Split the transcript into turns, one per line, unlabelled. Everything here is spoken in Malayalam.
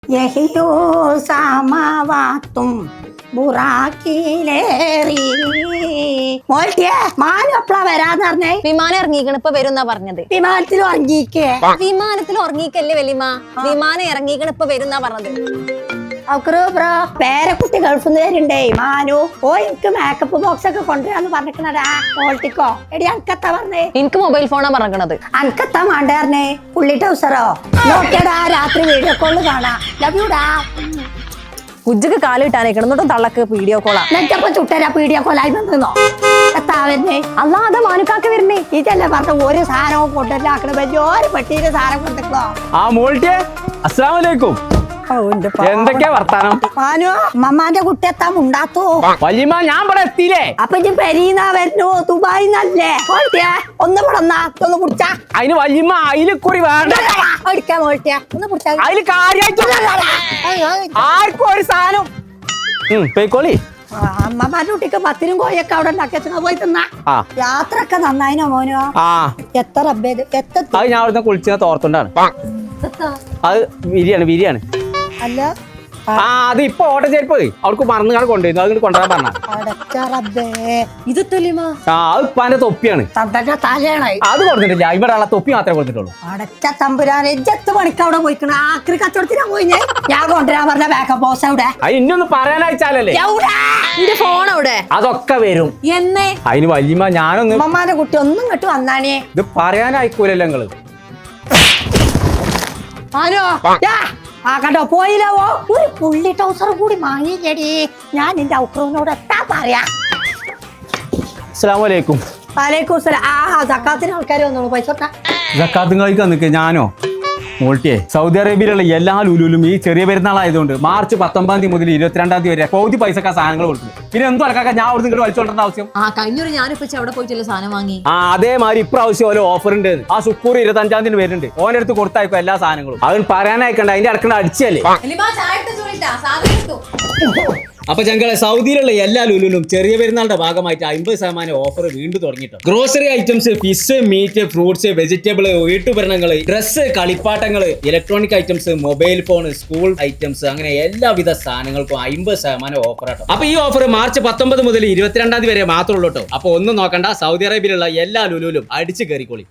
യഹിയോ സാമാവാത്തും ബുറാക്കിലേറി. മോൾട്ടിയെ മാനു എപ്പളാ വരാന്ന് പറഞ്ഞേ?
വിമാനം ഇറങ്ങിക്കണ് ഇപ്പൊ വരുന്നാ പറഞ്ഞത്.
വിമാനത്തിൽ ഉറങ്ങിക്കേ?
വിമാനത്തിൽ ഉറങ്ങിക്കല്ലേ വലിയമ്മ, വിമാനം ഇറങ്ങിക്കണ് ഇപ്പൊ വരുന്നാ പറഞ്ഞത്.
പേരക്കുട്ടി ഗൾഫിൽ നിന്ന് വരുണ്ടേ മാനു. ഓ എനിക്ക് മേക്കപ്പ് ബോക്സ് ഒക്കെ കൊണ്ടുവരാന്ന് പറഞ്ഞിക്കണടാ. മോൾട്ടിക്കോ എടി അനക്കത്താ പറഞ്ഞേ?
എനിക്ക് മൊബൈൽ ഫോണാ പറഞ്ഞത്.
അനക്കത്താ വേണ്ടായിരുന്നേ? പുള്ളി ടൗസറോ? നോക്കിയടാ രാത്രി വീഡിയോ കോള് കാണാ. ലവ് യുടാ.
കുജ്ജക്ക് കാലിട്ടാനേ കിടന്നിട്ടും തള്ളക്ക് വീഡിയോ കോളാ.
നെറ്റപ്പ ചുട്ടരാ വീഡിയോ കോളായി വന്നോ? എത്താ വരുന്നേ?
അല്ലാതെ മാനുക്കാക്ക് വരുന്നേ.
ഇതല്ലേ പറഞ്ഞ ഒരു സാധനവും കൊണ്ടുവരാക്കണ വലിയൊരു പെട്ടിയില് സാധനം കൊണ്ടിട്ടോ.
ആ മോൾട്ടിയെ അസ്സലാമലൈക്കും. എന്തൊക്കെയാ വർത്താനം?
മാനു മമ്മാന്റെ കുട്ടി എത്താൻ ഉണ്ടാത്തോ?
വല്യമ്മ ഞാൻ ഇവിടെ എത്തിയില്ലേ?
അപ്പൊ ഇജ്ജ് പെരീന്നാ വരുന്നു? ദുബായിന്നല്ലേ? ഒന്ന് പിടന്നാ ഒന്ന് കുടിച്ചാ.
അതിന് വല്യമ്മ അയില് കുറി വേണ്ട.
അടിക്കാ മോൾട്ടിയാ ഒന്ന് കുടിച്ചാ.
അതില് കാര്യമായിട്ട് ആർക്കും ഒരു സാധനം പോയിക്കോളി.
അമ്മമാരുടെ കുട്ടിക്ക് പത്തിനും കോയൊക്കെ അവിടെ ഉണ്ടാക്കി പോയി തിന്നാ.
ആ
യാത്ര ഒക്കെ നന്നായിനോ മോനോ?
ആ
എത്ര
അത് ഞാൻ അവിടുന്ന് കുളിച്ച തോർത്തുണ്ടാണ്. അത് വിരിയാണ്.
അല്ല
ആ അത് ഇപ്പൊ ഓട്ട ചേർപ്പ് അവർക്ക് മറന്നു കൊണ്ടുവരുന്നു. അത് കൊണ്ടുവരാൻ പറഞ്ഞ
ഇത്
ആ അത് ഇപ്പാന്റെ തൊപ്പിയാണ്.
തലയാണായി
അത് കൊടുത്തിട്ടില്ല. ഇവിടെ ഉള്ള തൊപ്പി മാത്രമേ കൊടുത്തിട്ടുള്ളൂ.
അടച്ച തമ്പുരാനെ ജത്ത് പണിക്ക് അവിടെ പോയിക്കണ ആക്രി കച്ചവടത്തിനാ പോയി. ഞാൻ കൊണ്ടുവരാൻ പറഞ്ഞ ബാക്കപ്പ് ബോസ് അവിടെ.
അത് ഇന്നൊന്ന് പറയാനയച്ചാലല്ലേ.
എന്റെ ഫോൺ അവിടെ.
അതൊക്കെ വരും
എന്നേ.
അതിന് വല്യമ്മ ഞാനൊന്ന്
അമ്മമാരുടെ കുട്ടി ഒന്നും ഇങ്ങോട്ട് വന്നാണേ.
ഇത് പറയാനായിക്കൂലല്ലോ നിങ്ങള്.
ആനോ ആ കണ്ടോ പോയില്ലവോ? ഒരു പുള്ളി ടൗസർ കൂടി വാങ്ങിയില്ലേടി. ഞാൻ എന്റെ ഔക്രൂനോട് എത്താ പറയാ.
അസ്സലാമലൈക്കും.
വലൈക്കും സലാം. ആ സക്കാത്തിന് ആൾക്കാർ വന്നോളൂ. പൈസ
സക്കാത്തും കളിക്കാൻ നിൽക്കുക. ഞാനോ മോൾട്ടിയെ സൗദി അറേബ്യയിലുള്ള എല്ലാ ലുലുലും ഈ ചെറിയ പെരുന്നാളായതുകൊണ്ട് മാർച്ച് 19 മുതൽ 22 വരെ പൗതി പൈസക്കാ സാധനങ്ങൾ കൊടുക്കും. പിന്നെ എന്തോ അലക്കാക്ക ഞാൻ അവിടെ നിന്ന് വലിച്ചോണ്ടേണ്ട ആവശ്യം?
ആ കഴിഞ്ഞൊരു ഞാനിപ്പോ അവിടെ പോയിട്ടല്ലേ സാധനം വാങ്ങി.
ആ അതേമാതിരി ഇപ്രാവശ്യം ഓരോ ഓഫർ ഉണ്ട്. ആ ശുക്കൂർ 25 വരുന്നുണ്ട്. ഓനെടുത്ത് കൊടുത്തായിക്കോ എല്ലാ സാധനങ്ങളും. അവൻ പറയാനായിക്കണ്ട. അതിന്റെ അടുക്കണ്ട അടിച്ചല്ലേ. അപ്പൊ ഞങ്ങളെ സൗദിയിലുള്ള എല്ലാ ലുലുലും ചെറിയ പെരുന്നാളുടെ ഭാഗമായിട്ട് 50% ഓഫർ വീണ്ടും തുടങ്ങിട്ടോ. Grocery items, fish, meat, fruits, vegetable, വീട്ടുപകരണങ്ങൾ, ഡ്രസ്സ്, കളിപ്പാട്ടങ്ങൾ, electronic items, mobile phone, school items, അങ്ങനെ എല്ലാവിധ സാധനങ്ങൾക്കും 50% ഓഫർ ആട്ടോ. അപ്പൊ ഈ ഓഫർ മാർച്ച് 19 മുതൽ 22 വരെ മാത്രമേ ഉള്ളൂ കേട്ടോ. അപ്പൊ ഒന്നും നോക്കണ്ട, സൗദി അറേബ്യയിലുള്ള എല്ലാ ലുലുലും അടിച്ചു കയറിക്കോളി.